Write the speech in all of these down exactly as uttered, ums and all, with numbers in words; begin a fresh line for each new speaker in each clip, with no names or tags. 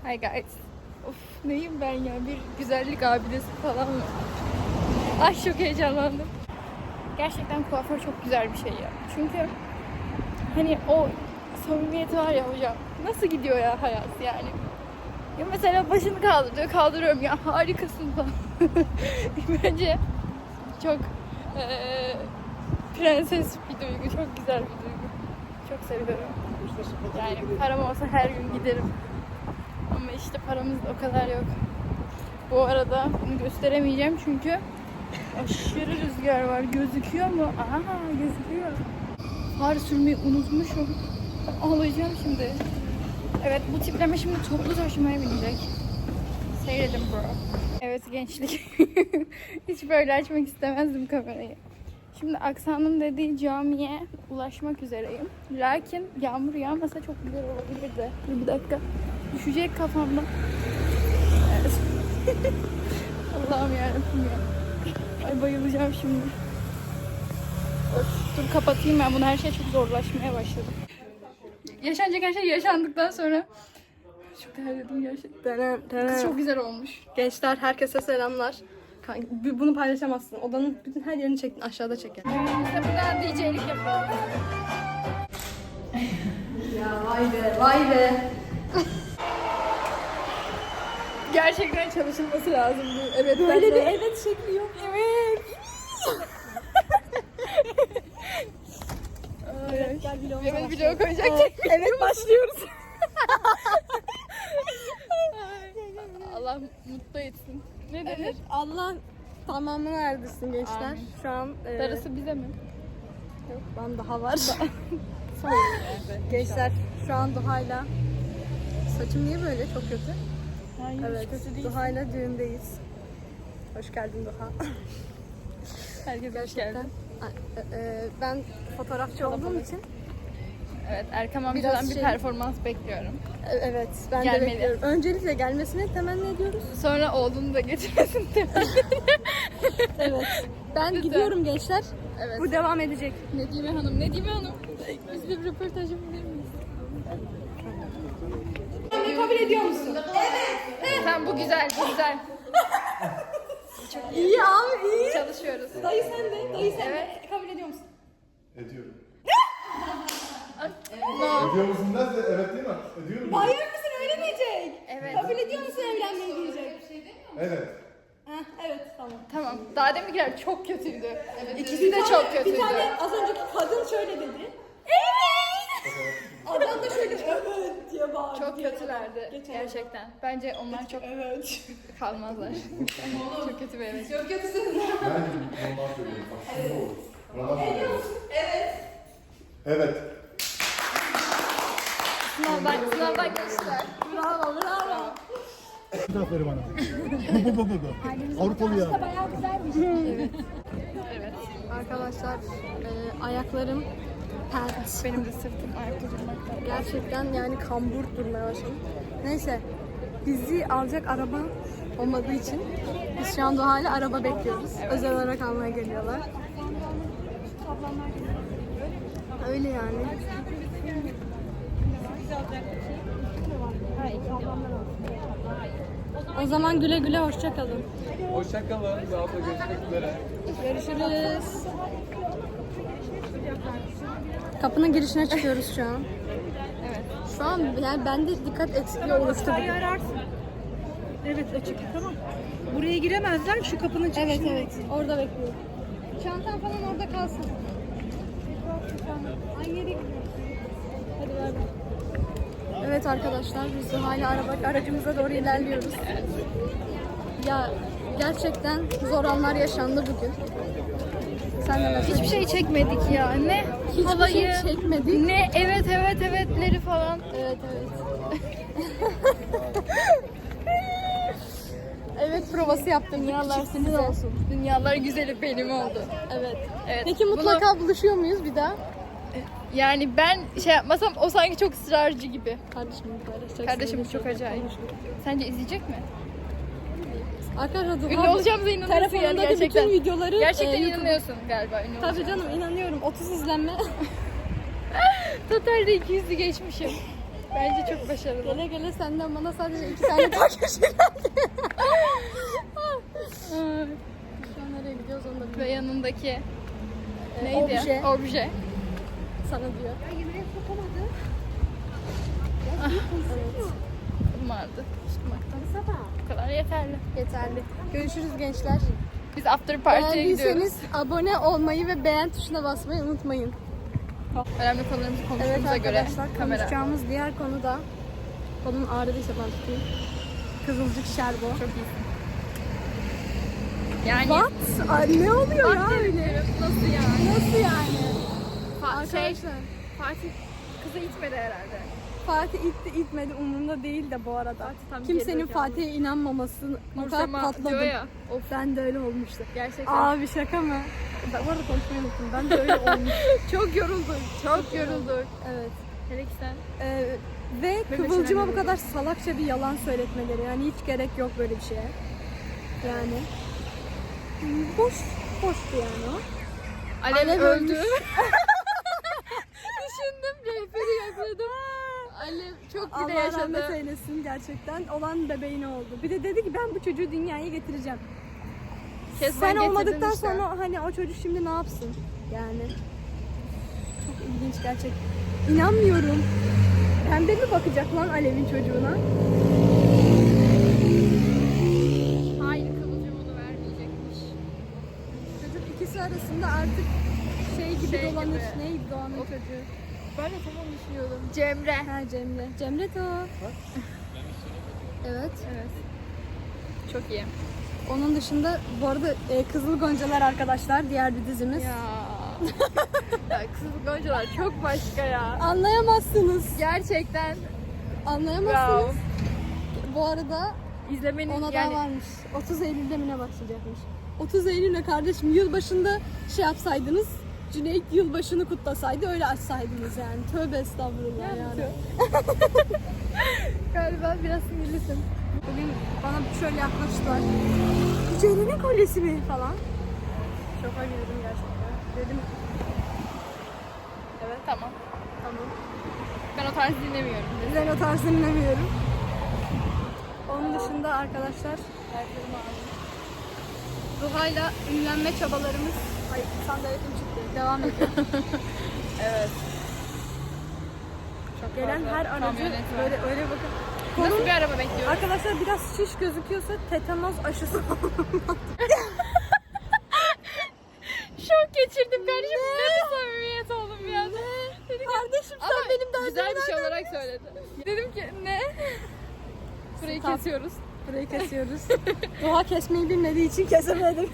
Hi guys. Of neyim ben ya? Bir güzellik abidesi falan mı? Ay çok heyecanlandım. Gerçekten kuaför çok güzel bir şey ya. Çünkü hani o samimiyeti var ya hocam. Nasıl gidiyor ya hayat yani? Ya mesela başını kaldırıyor, kaldırıyorum ya harikasın falan. Bence çok ee, prenses bir duygu, çok güzel bir duygu. Çok seviyorum. Yani param olsa her gün giderim. Ama işte paramız da o kadar yok. Bu arada bunu gösteremeyeceğim çünkü aşırı rüzgar var. Gözüküyor mu? Aha gözüküyor. Far sürmeyi unutmuşum. Ağlayacağım şimdi. Evet bu tipleme şimdi toplu taşımaya binecek. Seyredin bro. Evet gençlik. Hiç böyle açmak istemezdim kamerayı. Şimdi Aksan'ın dediği camiye ulaşmak üzereyim. Lakin yağmur yağmasa çok güzel olabilirdi. Dur bir dakika. Düşecek kafamda. Evet. Allah'ım yarabbim ya. Ay bayılacağım şimdi. Öf, dur kapatayım ben bunu. Her şey çok zorlaşmaya başladı. Yaşanacak her şey yaşandıktan sonra çok terledim gerçekten. Kız çok güzel olmuş.
Gençler herkese selamlar. Bunu paylaşamazsın. Odanın bütün her yerini çektin. Aşağıda çekin.
Biz de buradan D J'lik yapıyoruz.
Ya vay be vay be.
Gerçekten çalışılması lazım bu. Evet.
Böyle
de.
bir evet şekli yok.
Evet.
Evet gel vlogumuza
Evet
başlayalım.
video koyacak.
Evet başlıyoruz.
Allah mutlu etsin. Ne denir?
Evet Allah tamamını erdirsin gençler.
Amin.
Şu an e,
Darısı bize mi?
yok, ben daha var.
Son.
Gençler şu an Duha'yla saçım niye böyle çok kötü?
Hayır,
Evet
kötü değil.
Duha'yla düğündeyiz. Hoş geldin Duha.
Herkes hoş geldi.
E, e, ben fotoğrafçı olduğum için
Evet, Erkam
Biraz
amcadan bir
şey-
performans bekliyorum.
e, evet ben
Gelmeli.
de bekliyorum. Öncelikle gelmesini temenni ediyoruz.
Sonra oğlunu da getirmesin de.
Evet. Ben
Lütfen.
gidiyorum gençler.
Evet.
Bu devam edecek.
Nedime Hanım, Nedime Hanım. Biz bir röportaj yapabilir miyiz?
Beni kabul ediyor musun?
Tamam bu güzel, bu güzel.
İyi abi iyi.
Çalışıyoruz.
Dayı sen de. Dayı sen
Evet.
de. Kabul ediyor musun?
Ediyorum.
No.
Ediyor musun derse evet değil mi? Ediyorum.
Hayır mısın öyle diyecek.
Evet.
Kabul ediyor musun evlenmeyi diyecek.
Evet.
Heh, evet tamam.
Tamam. Daha deminkiler çok kötüydü. Evet. İkisi
Bir
de
tane-
çok kötüydü.
Bir tane az önceki kadın şöyle dedi. Evet. Adam da şöyle evet diye bağırdı.
Çok kötülerdi
Geçen-
gerçekten. Bence onlar çok
Evet.
kalmazlar. Çok kötü bir evet.
Çok kötüsün.
Ben normal söylüyorum. Bak şimdi olur. Normal söylüyorum.
Evet.
Evet.
Sınavdan, sınavdan geçtiler.
Bravo bravo.
Aferin bana. Bu bu bu bu. Avrupalı ya.
Evet.
Arkadaşlar e, ayaklarım pert.
Benim de sırtım ayakta durmaktan.
Gerçekten yani kambur durmaya başladım. Neyse bizi alacak araba olmadığı için biz şu anda hala araba bekliyoruz. Özel olarak almaya geliyorlar. Öyle yani. O zaman güle güle hoşça kalın.
Hoşçakalın. Daha da görüşmek üzere.
Görüşürüz. Kapının girişine çıkıyoruz şu an.
Evet.
Şu an yani bende dikkat eksikliği oluştu.
Evet açık tamam. Buraya giremezler şu kapının çıkışında.
Evet evet. Orada bekliyorum. Çantam falan orada kalsın. Ay yere gidiyoruz. Hadi ver. Evet arkadaşlar biz de hala araba aracımıza doğru ilerliyoruz. Ya gerçekten zor anlar yaşandı bugün. Sen de mesela
Hiçbir şey çekmedik ya. Ne
Hiçbir
havayı,
şey çekmedik.
ne evet evet evetleri falan.
Evet evet. Evet provası yaptım.
Dünyalar sizin olsun. Dünyalar güzeli benim oldu.
Evet.
Evet.
Peki
bunu-
mutlaka buluşuyor muyuz bir daha?
Yani ben şey yapmasam o sanki çok ısrarcı gibi.
Kardeşim paylaşacaksın.
Kardeşimiz çok acayip. Sence izleyecek mi?
Arkadaşlar
Ünlü
Duha
olacağımıza inanıyorsun yani
telefonundaki
gerçekten.
bütün videoları
Gerçekten
e, YouTube-
inanıyorsun galiba ünlü
Tabii
olacağına.
canım inanıyorum. otuz izlenme.
Totalde iki yüzü geçmişim. Bence çok başarılı.
Gele gele senden bana sadece iki tane takipçi geldi. Şu an nereye gidiyoruz onu da
Ve
bilmiyorum.
yanındaki
Ee,
neydi?
obje.
Obje.
Sana diyor. Evet.
Kolum ağrıdı. Tutmaktan. Bu kadar yeterli.
Yeterli. Görüşürüz gençler.
Biz after party'ye gidiyoruz.
Beğendiyseniz abone olmayı ve beğen tuşuna basmayı unutmayın.
Önemli konularımızı
Evet
konuştuğumuza göre
arkadaşlar
kamera.
konuşacağımız diğer konu da kolum ağrıdıysa ben tutayım. Kızılcık şerbo.
Çok iyisin. Yani
What? Ay, ne oluyor ya öyle?
nasıl yani?
Nasıl yani?
Fa- şey,
Arkadaşlar
Fatih kızı itmedi herhalde.
Fatih itti itmedi umurumda değil de bu arada.
tam
Kimsenin
geri
Fatih'e inanmaması o kadar
Nursema diyor
patladım.
ya.
Of ben de öyle olmuştu.
Gerçekten.
Abi şaka mı? Ben bu arada konuşmayı unuttum. Ben de öyle olmuştum.
Çok yorulduk. Çok yorulduk.
Evet.
Hele ki sen.
Ee, ve Kıvılcım'a bu kadar salakça bir yalan söyletmeleri. Yani hiç gerek yok böyle bir şeye. Yani. Boş. Boştu yani o.
Alev,
Alev
öldü.
ölmüş.
Düşündüm rehberi yakaladım. Alev çok bile
Allah
yaşadı.
rahmet eylesin gerçekten. Olan bebeğine oldu. Bir de dedi ki ben bu çocuğu dünyaya getireceğim.
Kesmen
Sen
getirdin
olmadıktan
işte.
sonra hani o çocuk şimdi ne yapsın? Yani. Çok ilginç gerçekten. İnanmıyorum. Pembe mi bakacak lan Alev'in çocuğuna?
Hayır Kıvılcım onu vermeyecekmiş.
Çocuk ikisi arasında artık şey gibi
Şey
dolanır.
gibi.
Neydi Doğan'ın
O-
çocuğu?
Ben de tamam düşünüyordum. Cemre.
Ha Cemre. Cemre de o. Evet.
Evet. Çok iyi.
Onun dışında bu arada e, Kızıl Goncalar arkadaşlar diğer bir dizimiz.
Ya. ya Kızıl Goncalar çok başka ya.
Anlayamazsınız.
Gerçekten
Anlayamazsınız.
wow.
Bu arada
İzlemenin
ona
yani
da varmış. otuz Eylül'de mi ne başlayacakmış? otuz Eylül'e kardeşim yılbaşında şey yapsaydınız, Cüneyt yılbaşını kutlasaydı öyle açsaydınız yani. Tövbe estağfurullah yani.
galiba biraz sinirlisin.
Bugün bana şöyle yaklaştılar. Ceylan'ın kolyesi mi falan. Şoka girdim gerçekten. Dedim
Evet tamam.
tamam.
Ben o tarz dinlemiyorum.
Ben o tarz dinlemiyorum. Onun dışında arkadaşlar Zuha'yla ünlenme çabalarımız ay sandaletim çıktı. Devam ediyor.
Evet.
Gelen
fazla
her aracı
kamyonet var.
böyle öyle bakın.
Nasıl
Konum
bir araba bekliyoruz?
arkadaşlar biraz şiş gözüküyorsa tetanoz aşısı.
Şok geçirdim kardeşim. Ne bir samimiyet oldum bir anda. Dedim ki,
Kardeşim
ama
sen benim derdimi
güzel bir şey
nereden
olarak söyledi. Dedim ki ne? Burayı
Stop.
kesiyoruz.
Burayı kesiyoruz. Doğa kesmeyi bilmediği için kesemedim.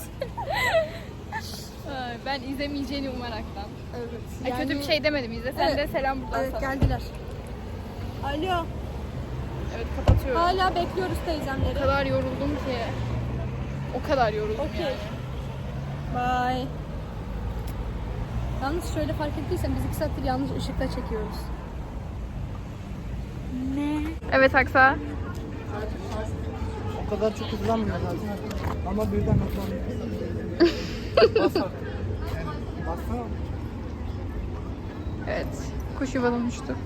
Ay, Ben izlemeyeceğini umaraktan.
Evet.
Ay, kötü bir şey demedim. İzle sen
Evet.
de selam buradan
Evet
sana.
geldiler. Alo.
Evet kapatıyorum.
Hala bekliyoruz
O
teyzemleri.
kadar yoruldum ki. O kadar yoruldum
Okey.
yani.
Bye. Yalnız şöyle fark ettiysen biz iki saattir yanlış ışıkta çekiyoruz.
Evet Aksa.
O kadar çok hızlanmıyor zaten. Ama birden hızlanıyor. Bas artık. Bassana.
Evet. Kuş yuvadan uçtu.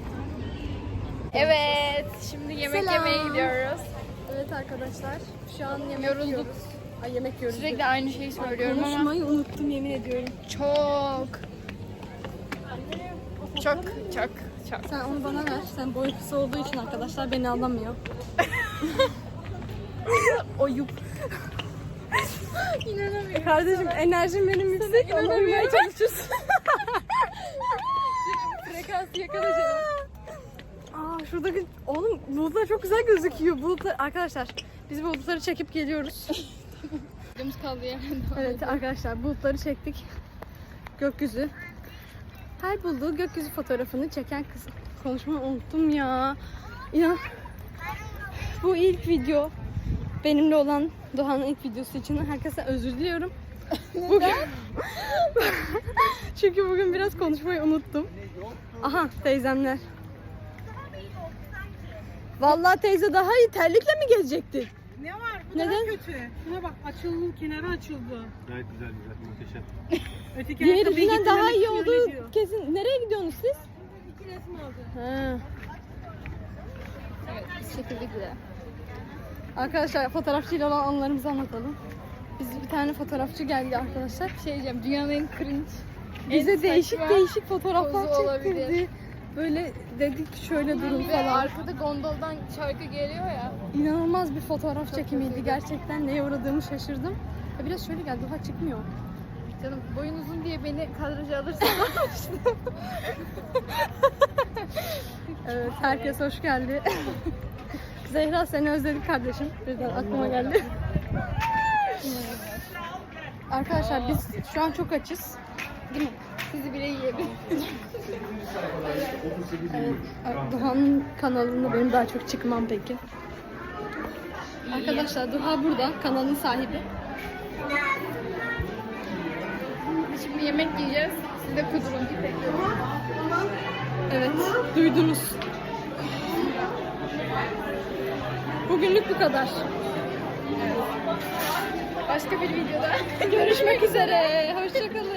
Evet. Şimdi yemek
Selam.
yemeye gidiyoruz.
Evet arkadaşlar. Şu an yemek
Yorulduk.
yiyoruz. Ay yemek yiyoruz.
Sürekli aynı şeyi söylüyorum ama
Konuşmayı unuttum yemin ediyorum.
çok çok çok çok.
Sen onu bana ver. Sen boyu kısa olduğu için arkadaşlar beni anlamıyor.
Oyup. İnanamıyorum.
Kardeşim enerjim benim yüksek. Ona uymaya çalışıyorsun.
Frekansı yakala canım.
Aa şuradaki oğlum bulutlar çok güzel gözüküyor. Bulutlar arkadaşlar biz bulutları çekip geliyoruz.
Videomuz kaldı yani.
Evet arkadaşlar bulutları çektik. Gökyüzü. Her bulduğu gökyüzü fotoğrafını çeken kız. Konuşmayı unuttum ya. İnan. Bu ilk video. Benimle olan Doğan'ın ilk videosu için herkese özür diliyorum. Bugün... Çünkü bugün biraz konuşmayı unuttum. Aha teyzemler. Vallahi teyze daha iyi terlikle mi gezecektin?
Ne var? Bu
Neden?
daha kötü. Şuna bak açıldı, kenarı açıldı.
Gayet güzel güzel muhteşem.
Öteki ayakkabıyı
Diğerinden daha iyi
getirmemek için öyle
olduğu
diyor.
kesin. Nereye gidiyorsunuz siz?
İki resim aldı.
Ha.
Evet, biz çekildik bile.
Arkadaşlar fotoğrafçıyla olan anılarımızı anlatalım. Biz bir tane fotoğrafçı geldi arkadaşlar.
Şey diyeceğim, dünyanın en cringe,
Bize
en
değişik
saçma
değişik fotoğraflar
pozu olabilir.
çektirdi. Böyle dedik şöyle durun
Bir de
falan.
arkada gondoldan şarkı geliyor ya.
İnanılmaz bir fotoğraf çekimiydi. Gerçekten neye uğradığımı şaşırdım. Ya biraz şöyle geldi, daha çıkmıyor.
Canım boyun uzun diye beni kadraja alırsan
Evet, herkes hoş geldi. Zehra seni özledik kardeşim. Birden aklıma geldi. Arkadaşlar biz şu an çok açız. Değil mi?
sizi bile yiyebilirim.
Evet, Duha'nın kanalında benim daha çok çıkmam peki. Arkadaşlar Duha burada, kanalın sahibi.
Biz şimdi yemek yiyeceğiz. Siz de kudurun.
Evet, duydunuz. Bugünlük bu kadar.
Başka bir videoda
Görüşmek üzere. Hoşçakalın.